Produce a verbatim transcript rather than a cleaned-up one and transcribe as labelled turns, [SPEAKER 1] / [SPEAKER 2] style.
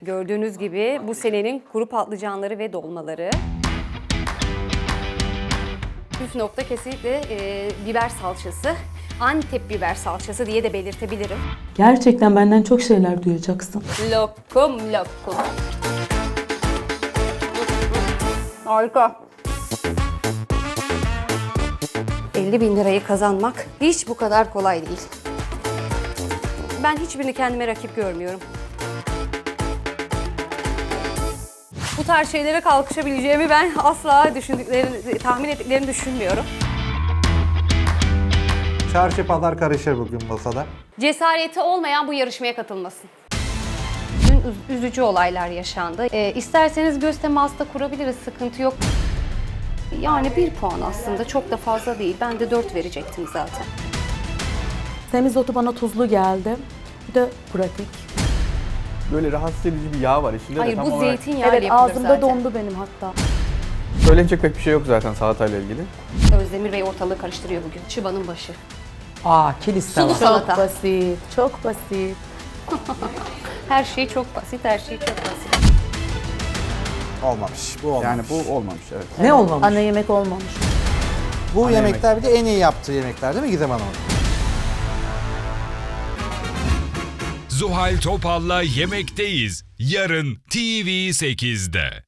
[SPEAKER 1] Gördüğünüz gibi bu senenin kuru patlıcanları ve dolmaları. Püf nokta kesinlikle e, biber salçası. Antep biber salçası diye de belirtebilirim.
[SPEAKER 2] Gerçekten benden çok şeyler duyacaksın.
[SPEAKER 1] Lokum lokum. Harika. elli bin lirayı kazanmak hiç bu kadar kolay değil. Ben hiçbirini kendime rakip görmüyorum. Bu tarz şeylere kalkışabileceğimi ben asla düşündüklerini, tahmin ettiklerini düşünmüyorum.
[SPEAKER 3] Çarşı pazar karışır bugün masada.
[SPEAKER 1] Cesareti olmayan bu yarışmaya katılmasın. Dün üz- üzücü olaylar yaşandı. Ee, isterseniz göz teması da kurabiliriz, sıkıntı yok. Yani bir puan aslında çok da fazla değil. Ben de dört verecektim zaten.
[SPEAKER 2] Semizotu bana tuzlu geldi. Bir de pratik.
[SPEAKER 4] Böyle rahatsız edici bir yağ var içinde
[SPEAKER 1] Hayır
[SPEAKER 4] de tam
[SPEAKER 1] bu
[SPEAKER 4] olarak
[SPEAKER 1] zeytinyağı
[SPEAKER 2] Evet,
[SPEAKER 1] yapılır
[SPEAKER 2] ağzımda
[SPEAKER 1] zaten.
[SPEAKER 2] dondu benim hatta.
[SPEAKER 4] söylenecek pek bir şey yok zaten salatayla ilgili.
[SPEAKER 1] Özdemir Bey ortalığı karıştırıyor bugün. Çıbanın başı.
[SPEAKER 5] Aa, kilis tava.
[SPEAKER 1] Sulu salata.
[SPEAKER 2] Çok basit, çok basit.
[SPEAKER 1] Her şey çok basit, her şey çok basit.
[SPEAKER 3] Olmamış. Bu olmamış.
[SPEAKER 4] Yani bu olmamış evet.
[SPEAKER 5] Ne olmamış?
[SPEAKER 2] Ana yemek olmamış.
[SPEAKER 3] bu
[SPEAKER 4] Ana
[SPEAKER 3] yemekler bir de en iyi yaptığı yemekler değil mi Gizem Hanım?
[SPEAKER 6] Zuhal Topal'la Yemekteyiz. Yarın T V sekizde.